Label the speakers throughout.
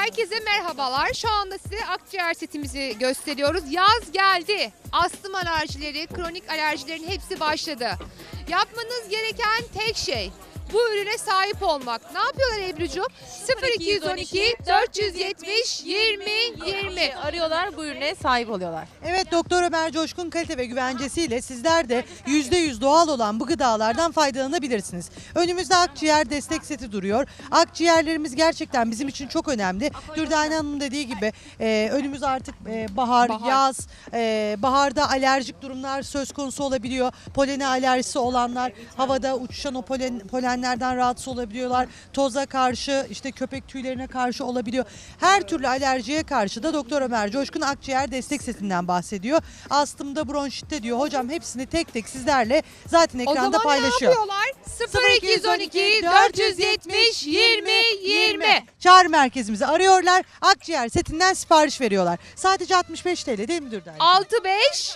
Speaker 1: Herkese merhabalar. Şu anda size akciğer setimizi gösteriyoruz. Yaz geldi. Astım alerjileri, kronik alerjilerin hepsi başladı. Yapmanız gereken tek şey bu ürüne sahip olmak. Ne yapıyorlar Ebru'cum? 0212 470 20 20
Speaker 2: arıyorlar, bu ürüne sahip oluyorlar.
Speaker 3: Evet, Doktor Ömer Coşkun kalite ve güvencesiyle sizler de %100 doğal olan bu gıdalardan faydalanabilirsiniz. Önümüzde akciğer destek seti duruyor. Akciğerlerimiz gerçekten bizim için çok önemli. Dürdane Hanım'ın dediği gibi önümüz artık bahar, yaz. Baharda alerjik durumlar söz konusu olabiliyor. Polene alerjisi olanlar, havada uçuşan o polenlerden rahatsız olabiliyorlar. Toza karşı, işte köpek tüylerine karşı olabiliyor. Her türlü alerjiye karşı da Doktor Ömer Coşkun akciğer destek setinden bahsediyor. Astımda, bronşitte diyor. Hocam hepsini tek tek sizlerle zaten ekranda paylaşıyor.
Speaker 1: O zaman ne yapıyorlar? 0212 470 20 20
Speaker 3: Çağrı merkezimizi arıyorlar. Akciğer setinden sipariş veriyorlar. Sadece 65 TL değil mi Dürdane?
Speaker 1: 65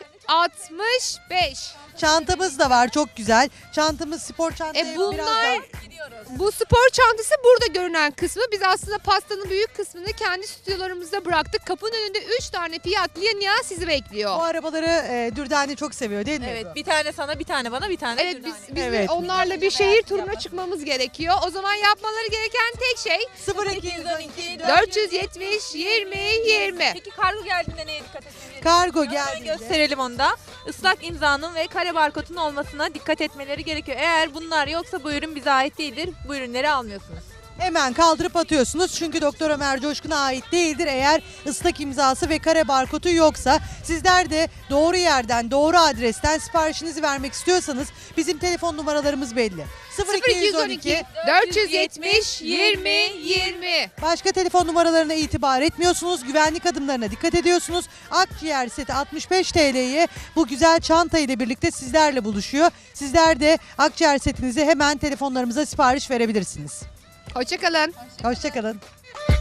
Speaker 1: 65.
Speaker 3: Çantamız da var, çok güzel. Çantamız spor çantası.
Speaker 1: Bunlar bu spor çantası burada görünen kısmı. Biz aslında pastanın büyük kısmını kendi stüdyolarımızda bıraktık. Kapının önünde 3 tane Fiat Linea sizi bekliyor.
Speaker 3: Bu arabaları Dürdane çok seviyor değil mi?
Speaker 2: Evet, bir tane sana, bir tane bana, bir tane
Speaker 1: Evet,
Speaker 2: Dürdane.
Speaker 1: biz
Speaker 3: Evet.
Speaker 1: onlarla bir şehir turuna çıkmamız gerekiyor. O zaman yapmaları gereken tek şey
Speaker 3: 0212
Speaker 1: 470 20 20.
Speaker 2: Peki kargo geldiğinde neye dikkat etmeliyiz?
Speaker 3: Kargo
Speaker 2: Hemen
Speaker 3: geldiğinde.
Speaker 2: gösterelim onu da. Islak imzanın ve kare barkodun olmasına dikkat etmeleri gerekiyor. Eğer bunlar yoksa bu ürün bize ait değildir. Bu ürünleri almıyorsunuz.
Speaker 3: Hemen kaldırıp atıyorsunuz çünkü Doktor Ömer Coşkun'a ait değildir eğer ıslak imzası ve kare barkodu yoksa. Sizler de doğru yerden, doğru adresten siparişinizi vermek istiyorsanız bizim telefon numaralarımız belli.
Speaker 1: 0212 470 20 20.
Speaker 3: Başka telefon numaralarına itibar etmiyorsunuz. Güvenlik adımlarına dikkat ediyorsunuz. Akciğer seti 65 TL'ye bu güzel çanta ile birlikte sizlerle buluşuyor. Sizler de akciğer setinizi hemen telefonlarımıza sipariş verebilirsiniz.
Speaker 1: Hoşçakalın.
Speaker 3: Hoşçakalın.